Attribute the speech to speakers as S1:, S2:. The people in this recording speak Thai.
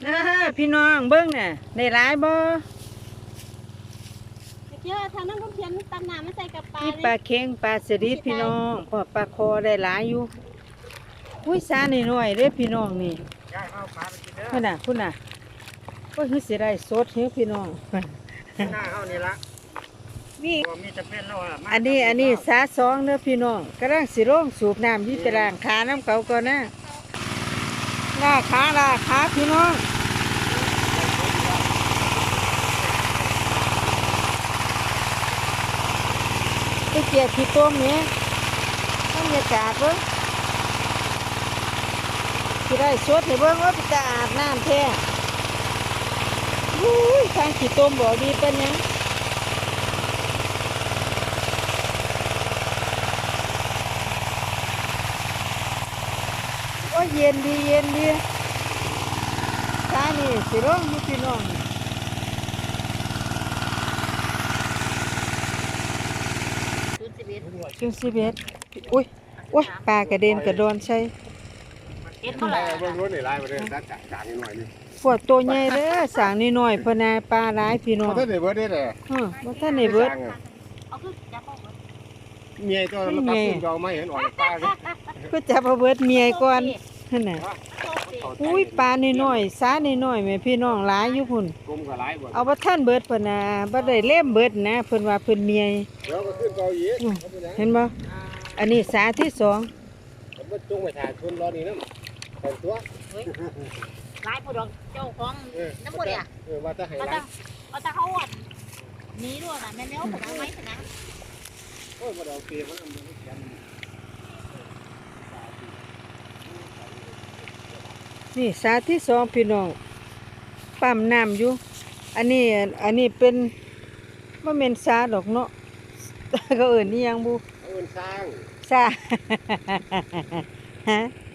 S1: พี่น้องเบิ้งน่ะได้หลายบ่
S2: เยอะทางนั้นก็เขียนตำน้ำมาใส่กับปลา
S1: นี่ปลาเค็งปลาสลิดพี่น้องพอปลาคอได้หลายอยู่อุ้ยสาน้อยๆเด้อพี่น้องนี่พุ่นน่ะโอ้ยคือสิได้สดเฮ้พี่น้อง
S3: หน้าเฮานี่ละ
S1: นี่
S3: บ่มีจะเป็นแล้วล่ะ
S1: อันนี้สาสองเด้อพี่น้องกำลังสิลงสูบน้ำที่ตารางขาน้ำเขาก่อนนะลาขาพี่น้องไปเกี่ยขี้ต้มเนี่ยบรรยากาศเบิ่งสิได้สดให้เบิ่งว่าจะอาบน้ำแท้อุ้ยทางขี้ต้มบ่ดีปานหยังโอ้ยเย็นดีตานี่สิร้องอยู่พี่น้อง จุด11อุ้ยปลากระเด็นกระโดนใช่
S2: เอ็ดเท่าไหร่
S3: เบิ่งรถนี่หลายบ่ได้ตัดจางนิดหน่อยนี่
S1: พวกตัวใหญ่เด้อสร้างน้อยๆเพนนาปลาหลายพี่น้อง
S3: บ่ทันได้เบิดเด้อ
S1: บ่ทันได้เบิด
S2: เอาคือจับเอาเบิด
S3: เมียตัวมันตัดขึ้นเอาไม่เห็นออกจากปลาเลย
S1: ก็จับเอาเบิดเมียก่อนนั่นน่ะ
S2: โชคดี
S1: อุ้ยปลาน้อยๆสาน้อยๆแม่พี่น้องหลายอยู่พุ่น
S3: กลมก็หลายบ่
S1: เอาบ่ทันเบิดเพนน่ะบ่ได้เล่มเบิดนะเพิ่นว่าเพิ่นเมีย
S3: เดี๋ยวก็ขึ้นเกาอีก
S1: เห็นบ่อันนี้สาที่สอง
S3: มันจงไปถ่ายชนรอนี่นำเป็นตัว
S2: หลายผู้ดอกเจ้าของน้ำมันเนี่ย
S3: ว่าจะให้
S2: เอา
S3: หลา
S2: แต่
S3: ย
S2: เอาแต่เขาอ่ะหนีด้วยนะแม่เลี้ยวขนาดไหมขนาด
S3: โอ้ยบ่ได้เอาเปรียบมันมันเขียน
S1: นี่สาที่สองพี่น้องปั๊มน้ำอยู่อันนี้เป็นบ่แม่นสาดอกเนาะ ก็เอิ้นอีหยังบุ
S3: เอาเงินสร้าง
S1: ซา ฮะ